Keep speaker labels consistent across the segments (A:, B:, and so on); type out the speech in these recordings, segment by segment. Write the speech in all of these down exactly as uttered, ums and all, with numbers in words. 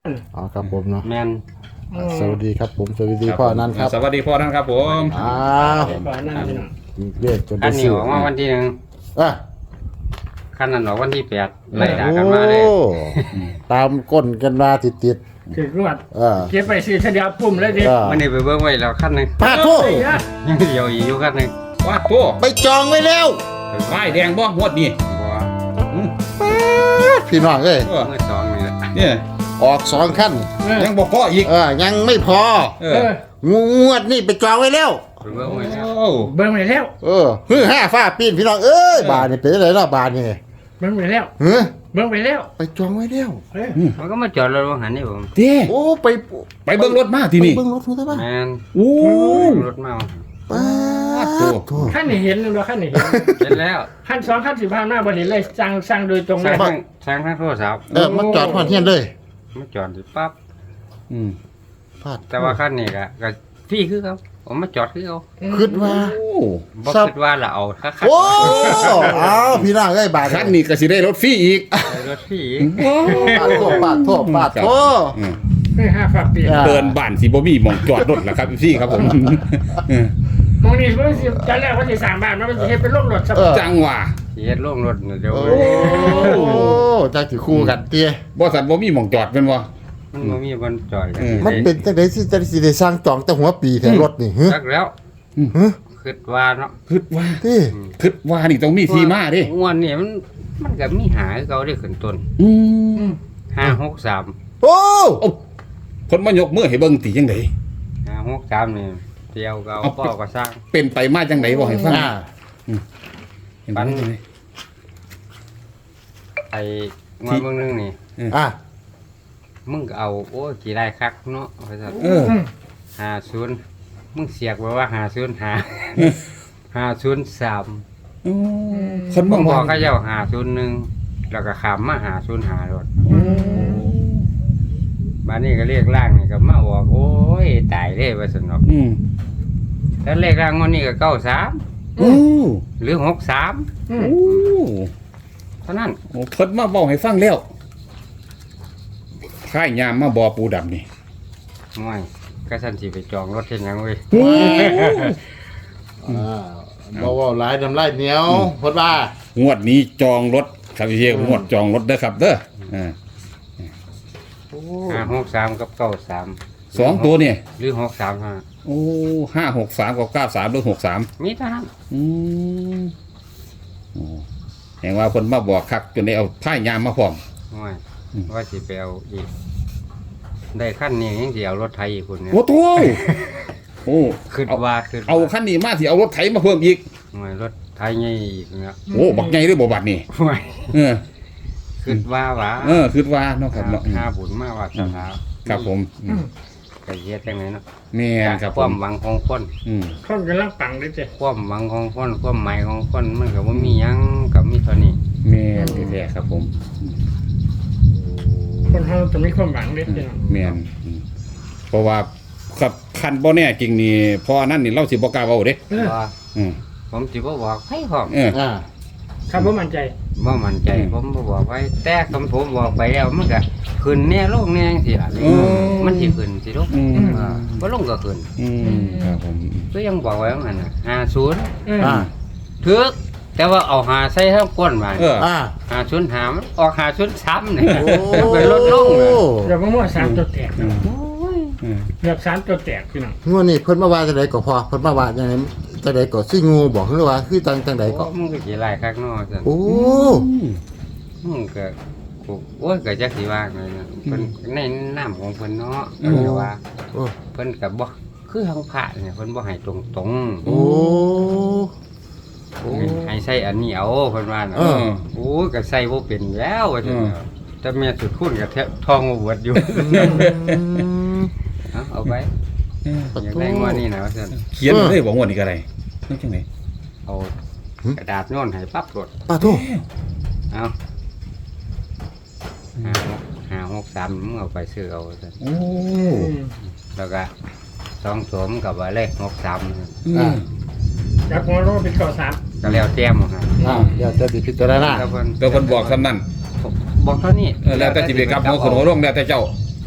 A: อ๋อครับผมเนาะ
B: แมน
A: สวัสดีครับผมสวัสดีพ่อนั้นครับ
C: สวัสดีพ่อนั้นครับผม
A: อ้าว
D: ก่อนนั่นพี่น้อง
A: เรียกจน
B: คั
A: ได้
B: นนี้
A: ซื้อ
B: ออกมาวันที่หนึ่ง
A: อ่ะ
B: คันนั้นออกวันที่แปดไล่ด่ากันมาเลย
A: โอ้ตามก้นกันมาติดติด
D: ถือรวด
A: ๆเออ
D: เก็บไปซื้อเฉลียวปุ่มเลยดิ
A: เออ
B: วันนี้ไปเบิ่งไว้แล้วคันหนึง
A: ปาดโทษ
D: เฮ้ยอะ
B: ยังเดียวอีกอยู่คันหนึง
C: ว้าตัว
A: ไปจองไว้แล้ว
C: ไม้แดงบ่งวดนี้
B: บัว
C: อืม
A: พี่น้องเอ้ย
C: เออ
B: เมื่อสองนี่แหละ
C: เนี่ย
A: ออกสองขั้น
C: ยังบ่พออีก
A: เออยังไม่พอ
C: เอ
D: เอ
C: อ
D: อ
A: งวดนี่ไปจองไว้แล้ว
B: ไปเบิ่งไว้แล้ว
C: โอ้
D: เบิ้งไปแล้ว
A: เออฮือห้าฟ้าปีนพี่น้องเอ้ยบานนี่เป็นอะไรล่ะบานนี่
D: เบิ้งไปแล้ว
A: เฮ้ย
D: เบิ้งไปแล้ว
A: ไปจองไว้แล้ว
D: เฮ้ย
B: มันก็มาจอดรถว่าหันนี่ผม
C: เด้
A: โอ้ไป
C: ไปเบิ่งรถมาที่นี่
A: ไปเบิ่งรถถูกไหม
B: แมน
C: โอ้
B: รถเมา
A: ป้าดโถ่
D: ขั้นนี่เห็นหรือเปล่าขั้นนี่เห็น
B: เสร็จแล้ว
D: ขั้นสองขั้นสิบห้าหน้าบริเห็นเลยสั่งสั่งโดยตรง
B: ส
D: เล
B: ร้าง
D: ย
B: ทั้งสร้างทั้งโทรศัพท์
A: เออมาจอดพอดเทียนเลย
B: มาจอดสิปั๊บ
C: อืม
A: พลาด
B: แต่ว่าคันนี้ก็ก็พี่คือเขาผมมาจอดคือเขา
A: คิดว่า
C: โอ้
B: บ่
A: ครับ
B: คิดว่าละเอาถ้าคัน
A: โอ้อ้าวพี่น้องเอ้ยบาท
C: คันนี้ก็สิได้รถฟรีอีก
B: ไปรถพี่
A: ปาดโทษปาดโทษปาดโทษ
C: อืม
D: เฮ้ยห้าฝากเปลี่ยน
A: อ่า
C: เดินบ้านสิบ่มีหม่องจอดรถล่ะครับพี่ครับผมเออ
D: มองนี่เพิ่งสิจะแรกว่าสิสามบ้านมันจะเฮ็ดเป็นโรคหลอดสับ
A: เออ
C: จังหว่า
B: สิเฮ็ดลงรถน่ะเดี๋ยว
A: โอ้จากที่คู่กันเตี้ย
C: บ่สันบ่มีหม่องจอดแม่นบ่
B: มันบ่มีบนจอดกัน
C: เออ
A: มันเป็นจังได๋สิจังสิได้สร้างจองแต่หัวปีแต่รถนี่ฮะ
B: จักแล้ว
A: ฮะ
B: คิดว่าเนาะ
C: คิดว่า
A: ติ
C: คิดว่านี่ต้องมีที่มาเด้
B: งวดนี่มันมันก็มีหาคือเขาได้ขึ้นต้น
C: อืม
B: ห้าหกสาม
A: โอ้
C: โอ้คนมายกมือให้เบิ่งติจังได๋
B: ห้าหกสามนี่เที่ยวก็เอา
C: เอา
B: พ่อก็สร้าง
C: เป็นไปมาจังได๋บ่ให้ฟัง
A: อ่า
C: เห็นบ่จังได๋
B: ไอ้งวดเบิ่งนึงนี่
A: อ่ะ
B: มึงก็เอาโอ้ยกี่ได้คักเนาะว่าซั่น
C: เออ
B: ห้าศูนย์มึงเสียกไว้ว่าห้าศูนย์ห้าห้าศูนย์สาม
C: อืมคน
B: ผ
C: บาม ง
B: บ
C: ว่า
B: อกเขาเจ้าห้าศูนย์หนึ่งแล้วก็ขามมาห้าศูนย์ห้ารถบ้านนี้ก็เรียกล่างนี่ก็มาบอกโอ้ยตายเลยว่าซั่นเนาะ
C: อืม
B: แล้วเลขล่างงวดนี้ก็เก้าสาม
C: โอ้
B: หรือหกสาม
D: อืม
C: โอ้
B: เท่านั้น
C: โอ้เพิ่นมาบอกให้ฟังแล้วค่ายยามมาบ่ปูดำนี่
B: ง่อยก็สันสิไปจองรถเช่นหยังเว้ย
A: อ่าบ่เว้าหลายน้ำลายเหนียวเพิ่นว่าง
C: วดนี้จองรถครับพี่เอกงวดจองรถเด้อครับเด้ออ่า
B: ห้าหกสามกับเก้าสาม
C: สองตัวเนี่ย
B: หรือหกสามห้า
C: โอ้ห้าหกสามกับเก้าสามหรือหกสาม
B: มีเท่านั้น
C: อืมโอ้แห่งว่าคนมาบอกคักจนได้เอาท่ายยามมาพร้อม
B: ง่อย
C: อืม
B: ว่าสิไปเอาอีก ได้ขั้นนี้ยังสิเอารถไทยอีกคนเนี่ย
C: โอ้โหโอ้
B: ขึ้น
C: เอา
B: ว่าขึ้น
C: เอาขั้นนี้มาสิเอารถไถมาเพิ่มอีก
B: ง่อยรถไทยใหญ่อีกเนี่ย
C: โอ้บักใหญ่ด้วยบ่บัดนี่
B: ง่อย
C: เออ
B: ขึ้นว่าหวะ
C: เออคิดว่าเนาะครับเนาะ
B: ห้าบุญมาว่าสถา
C: ครับผมอืม
B: ก็เฮ็ดจังไงเนาะ
C: แม่นครับ
B: ค
C: ผ
B: วาม มหวังของคน
C: อืม
D: คนกำลังปังเลยเจ้
B: ความหวังของคนความหมายของคนมันก็บ่มีหยังกับมีเท่านี้
C: แม่นแท้ๆครับผม
D: คนเฮาจะมีความหวังเลยเจ้
C: แม่นอืมเพราะว่าครับคันบ่แน่จริงนี่พอนั่นนี่เราสิบ่กล้าเว้าเด้
D: เออ
B: ว่า
C: อืม
B: ผมสิบ่บอกให้พร้อม
C: เออ
A: อ่า
D: ครับผมมั่นใจ
B: บ่มั่นใจ
C: อืม
B: ผมบ่บอกไว้ แต่คำผมบอกไปแล้วมันก็ขึ้นแน่ลงแน่จังซี่ล่ะ
C: อืม
B: มันสิขึ้นสิลง
C: อืม
B: อ่าบ่ลงก็ขึ้น
C: อืมครับผม
B: ก็ยังบอกไว้ว่างั้นน่ะห้าศูนย์
D: อืม
A: อ่า
B: ถึกแต่ว่าเอาหาใส่ทั้งก้นว่า
C: เออ
A: อ่า
B: ห้าศูนย์หามันออกห้าศูนย์สามนี่
A: โอ้
B: มันเป็นลดลงเลย
D: เดี๋ยวผมว่าสามตัวแตก
C: อืม
D: โอ้ย
C: อืม
D: เกือบสามตัวแตกพี่น้อง
A: งวดนี้เพิ่นมาว่าจังไดก็พอเพิ่นมาว่าจังไดจังไดก็สิงูบอกหรือว่าคือจังจังไดก็
B: โอ้มึงก็สิหลายคักเนาะซั่น
A: โอ้
B: มึงก็กูโอ้ยก็จักสิว่าไงนะเพิ่นในน้ำของเพิ่นเนาะ
C: อื
B: เพิ่น
C: ม
B: ก็ว่า
A: โอ้
B: เพิ่นก็บ่คือทางพระเนี่ยเพิ่นบ่ให้ตรงๆ
A: โอ้โอ้
B: ให้ใส่อันนี้เอาเพิ่นว่าน่ะ
A: เออ
B: โอ้ยก็ใส่บ่เป็นแล้วว่าซั่น
C: เออ
B: น่ะแต่แม่สุดคุณก็แทบทองบ่เบิดอยู่ เอาเอาไปอยากได้งวดนี้นะว่าซั่น
C: เขียนเลยบอกงวดนี้ก็ได้นี่จังได๋
B: เอากระดาษโน่นให้ปั๊บกด
A: ปาโท
B: เอาห้าหกห้าหกสามมึงเอาไปซื้อเอาว่าซั่น
C: โอ้
B: แล้วก็สองสวมกับว่าเลขหกสาม
C: อืม
D: จากหัวโลเป็นเก้าสาม
B: ก็แล้วแต้มหมดครับ
A: อ่าเดี๋ยวจะสิพิจารณา
B: แล้วเพิ่น
C: เดี๋ยวเพิ่นบอกซ้ำนั่น
B: บอกเท่านี้
C: เออแล้วแต่สิไปกลับหัวขึ้นหัวลงแล้วแต่เจ้า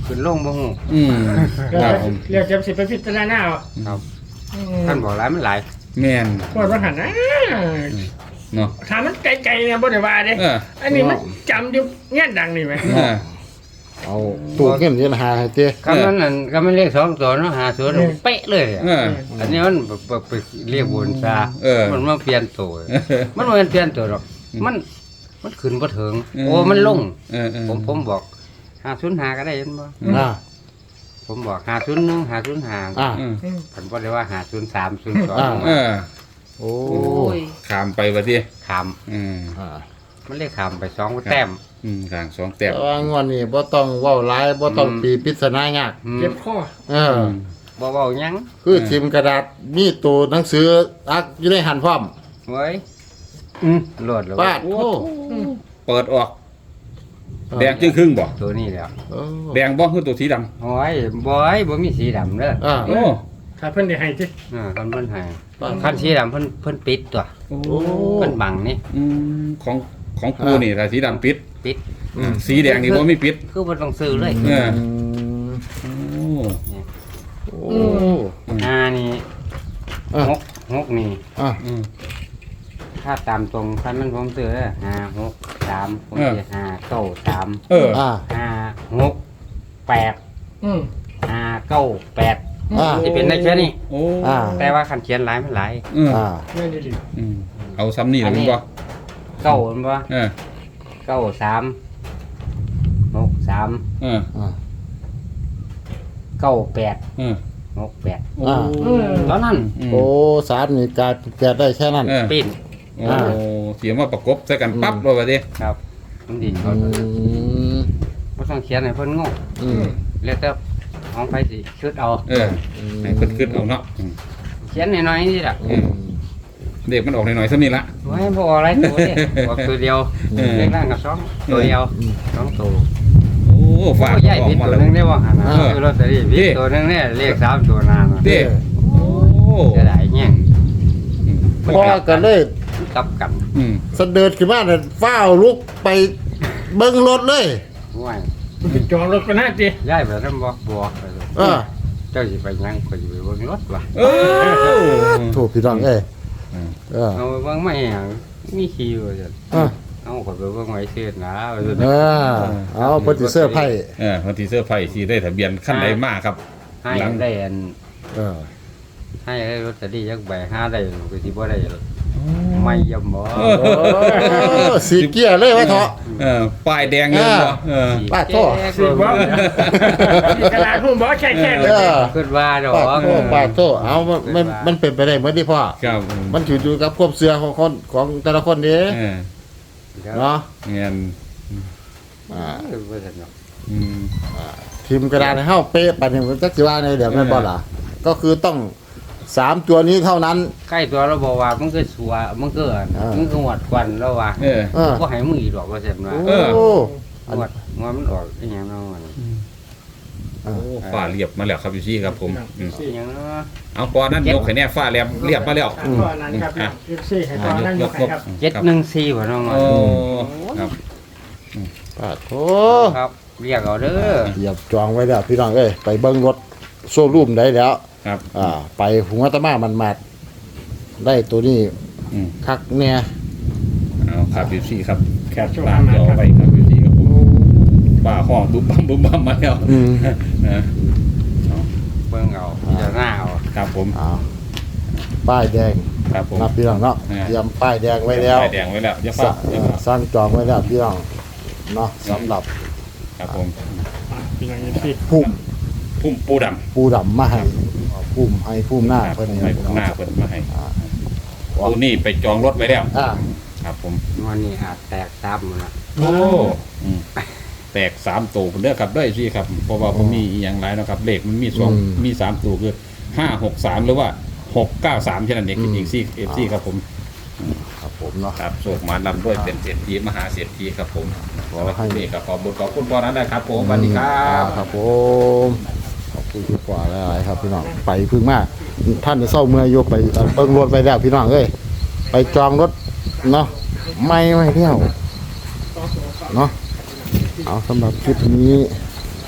B: ขึ้นลงบ่ฮู้
C: อืม
D: เรีย
C: ครับ
D: ก
C: ผม
D: เรียกเจ็บสิไปพิจารณาเอา
B: ครับ
D: อืม
B: ท่านบอกหลายมันหลาย
C: แม่น
D: ปวดว่าหันนะ
C: เนาะ
D: ถามมันไกลๆเนี่ยบ่ได้ว่าเด้
C: เออ
D: อันนี้มันจำอยู่เงี้ยดังนี่ไหม
C: เออ
A: เอาตู้เงินเงินหาให้เต้
B: คำนั้นนั่นก็ไม่เรียกสองตัวเนาะหาศูนย์เป๊ะเลยอะ
C: เออ
B: อันนี้มันไปไปเรียกบนซา
C: เออ
B: มันมาเปลี่ยนตัว มันบ่แม่นเปลี่ยนตัวหรอก มันมันขึ้นบ่ถึง
C: เออ
B: โอ้มันลง
C: เออเออ
B: ผมผมบอกหาศูนย์หาก็ได้เห็นบ่
A: อ่า
B: ผมบอกหาศูนย์หนึ่งหาศูนย์หา
A: อ่า
C: อืม
B: ผมบ่ได้ว่าหาศูนย์สามศูนย์สอง
A: อ่า
C: เออ
A: โอ้
B: โอ้ย
C: ขามไปว่าติ
B: ขาม
C: อืม
A: อ่า
B: มันเลยขามไปสองแต้ม
C: อืมข้างสองแต้ม
A: แต่ว่างวดนี้บ่ต้องเว้าหลายบ่ต้อง
B: อืม
A: ปีปริศนายาก
B: อืม
D: เจ็บคอ
A: เออ
C: อืม
B: บ่เว้าหยัง
A: คือทิมกระดาษมีตัวหนังสืออักอยู่ในหันพร้อม
B: เว้ยอืมโลดแล้ว
A: ปาดโอ้
C: เปิดออก แดงจึงครึ่งบ่
B: ตัวนี้แล้ว
A: เออ
C: แดงบ่คือตัวสีดำ
B: โอ้ยบ่อยบ่มีสีดำเด้อ
A: อ่า
C: โอ้
D: ถ้าเพิ่นได้ให้ที่
B: เออคันเพิ่นให้
A: ปาด
B: คันสีดำเพิ่นเพิ่นปิดตัว
C: โอ้
B: เพิ่นบังนี่
C: อืมของของปูนี่ถ้าสีดำปิด
B: ปิด
C: อืมสีแดงนี่บ่มีปิด
B: คือบ่ต้องซื้อเลย
C: เออ
A: อืม
C: โอ้
A: โอ้
B: อ่านี่
A: อ่ะ
B: หกหกนี่
A: อ่ะ
C: อืม
B: ถ้าตามตรงคันมันผมซื้อเด้อห้าหกสามผม
C: เออ
B: สิห้าเก้าสาม
C: เออ
A: อ่า
B: ห้าหกแปด
D: อืม
B: ห้าเก้าแปด
A: อ่า
B: สิเป็นได้แค่นี้
C: โอ้
A: อ่า
B: แต่ว่าคันเขียนหลายมันหลาย
C: อืม
A: อ่า
D: เงี้ยดี
C: อืมเอาซ้ำนี่แล้วมึงบ่
B: เก้ามันบ่
C: เออ
B: เก้าสามหกสาม
C: เออ
A: อ่า
B: เก้าแปด
C: เออ
B: หกแปด
C: โอ้
A: อ่า
B: ตอนนั้น
A: โอ้สารนี่กลายแปดได้แค่นั้น
C: เออ
B: ปิ้น
C: โอ้เสียมาประกบใส่กันปั๊บเลยว่าดิ
B: ครับมันดี
A: อื
B: เขา
A: ม
B: บ่ต้องเขียนให้เพิ่นงง
A: อืม
B: แล้วแต่ของไผสิชุดเอา
C: เออให้เพิ่นขึ้นเอาเนาะอืม
B: เขียนน้อยๆนี่ล่ะ
A: อืม
C: เด็กมันออกหน่อยๆซ้ำนี่ละ
B: โอ้ยบ่ออะไรตัวเด้บอกตัวเดียว
C: เออ
B: เล็กล่างกับสองตัวเดียวสองตัว
C: โอ้ฝา
B: โอ้
C: ด
B: ใหญ่
C: ออ
B: ผิ
C: ก
B: ด
C: มา
B: ตัว
C: แล้ว
B: หนึงได้บ่หั่นน่ะ
C: เออ
B: ซื้อลอตเตอรี่ผิด
C: นี่
B: ตัวหนึงเนี่ยเลขสามตัวนานน่ะ
C: เด้โอ้
B: จะได้แย่ง
A: พ่อก็เลย
B: กลับกัน
C: อืม
A: เสด็จขึ้นมาเนี่ยฟ้าวลุกไปเบิ้งรถเลย
B: ว้าย
D: ๆมันเป็นจองรถกันนะจี
B: ย้ายไปนำบ่บ่ไปเลย
A: เออ
B: เจ้าสิไปยังก็สิไปเบิ่งรถว่ะ
C: เออ
A: ถูกพี่น้องเอ้ย
C: อืม
A: เออ
B: เอาไปเบิ่งมาหยังมีคิวว่าซั่น
A: เออ
B: เอาก็ไปเบิ่งไว้ซื่อนะว่าซั่น
A: เออเอาเพิ่นสิเสื้อร์ไพ่
C: เออวันที่เสื้อร์ไผ่สีได้ทะเบียนขั้นใดมากครับ
B: ให้
C: หลัง
B: ได้อัน
A: เออ
B: ให้ได้ลอตเตอรี่จักใบห้าได้ก็สิบ่ได้ไม่ยำบ่
C: เอ
A: โอ้สีเกียร์เลยไว้เถอะ
C: เออป้ายแดงเงินบ่เออ
A: ป้าโทษ
D: สิบ่มีกระดาษหุ่มบ่แค่ๆเล
A: เอย อ
B: คิดว่าดอก
A: ป้าโทษป้าโทษเอามันมันมันเป็นไปได้เหมือนที่พ่อ
C: ครับ
A: มันถืออยู่กับความเชื่อของคนของแต่ละคนเด้
C: เออ
A: เนาะ
C: เงิน
A: อ่า
B: เออบ่ซั่นเนาะ
C: อืม
A: ทีมกระดาษให้เฮาเป๊ะปานนี้มันจักสิว่าในเดี๋ยวแม่นบ่ล่ะก็คือต้องสามตัวนี้เท่านั้น
B: ใกล้ตัวเราบอกว่ามันคือสัวมันคืออัน
A: อ่ามั
B: มันคือหวดควันแล้วว่า
C: เออ
A: เออ
B: บ่ให้มืออีดอกว่าซั่นว่า
A: โอ้
C: เออ
A: อัน
B: หวดหัวมันออกอีหยังเนาะมัน
A: เออ
C: โอ้ฝ้าเรียบมาแล้วครับพี่ซี่ครับผมอืม
B: อีหยังเนาะ
C: เอาก่อนนั้นยกให้แน่ฝ้าเรียบเรียบมาแล้ว
D: ตอนนั้นครับเอฟซีให้ตอนนั้นยกให้ครับ
B: เจ็ดหนึ่งสี่บ่น้อง
C: โอ้ครับ
A: ป้าโท
B: ครับเรียกเอาเด้อ
A: เหยียบจองไว้แล้วพี่น้องเอ้ยไปเบิ่งรถโชว์รูมได้แล้ว
C: ครับ
A: อ่า ไปหัวตะมามันมาดได้ตัวนี้
C: อืม
A: คักเนี่ย
C: เอาครับพี่ซี่ครับแคปตามจอไปครับพี่ซี่ครับผมฝ้าห้องบุ้มบัมบุ้มบัมมาแล้ว
A: อืม
C: นะ
B: เบิ่งเอาจะหน้าเอา
C: ครับผม
A: อ่าป้ายแดง
C: ครับผม
A: นับพี่น้องเนาะ
C: อ่า
A: เตรียมป้ายแดงไว้แล้ว
C: ป้ายแดงไว้แล้วอย่า
A: ส
C: ฝ้า
A: ร้าง
C: อย่า
A: เอ่อ
C: ฝ้า
A: สร้างจองไว้แล้วพี่น้องเนาะสำหรับ
C: ครับผม
D: พี่น้องเอฟซี
A: พุ่ม
C: พุ่มปูด
A: ปูดำมาให้พุ่มให้พุ่มหน้า
C: ำ
A: เพิ่น
C: ผม
A: นี่
C: ให้ผมหน้าเพิ่นมาให้ตัวนี้ไปจองรถไว้แล้ว
A: อ่า
C: ครับผม
B: วันนี้อาจแตกซ้ำหมดละ
C: โอ้อืมแตกสามตัวเด้อครับได้สิครับเพราะว่าผมมีอหย่างไรนะครับเลขมันมีสองมีสามตัวคือห้าหกสามหรือว่าหกเก้าสามแค่นั้นเองอีกซี่เอฟซีครับผม
A: ครับผมเนาะ
C: ครับโศกมาลำด้วยเป็นเศรษฐีมหาเศรษฐีครับผม
A: ขอ
C: แล้ว
A: ให้
C: นี่ก็ขอบุญขอบคุณพ่อนั้นนะครับผมสวัสดีครับ
A: ครับผมขอบคุณที่กว่าหลายๆครับพี่น้องไปพึ่งมาท่านจะเศร้าเมื่อยโยกไปเบิ่งรถไปแล้วพี่น้องเอ้ยไปจองรถเนาะไม่ไม่เที่ยวเนาะเอาสำหรับคลิปนี้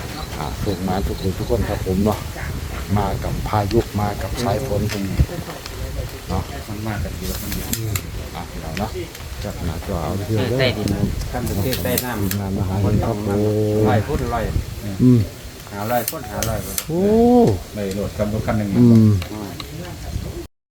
A: อ่าส่งมาทุกคนทุกคนครับผมเนาะมากับพายุมากับสายฝนเนาะ
C: มันมากกันเยอะมันเยอะ
A: อ่ะเราเนาะจับหน้าจอเอาเที่ยวเด้อ
B: ใต้ดินขั้นที่ใต้น้ำ
A: งานมาหาเงินครับโอ้
B: ลอยพุ่นลอย
A: อืม
B: หาลอยพุ่นหาลอย
A: โอ้
C: ในรถกับรถคันหนึ่ง
A: อืม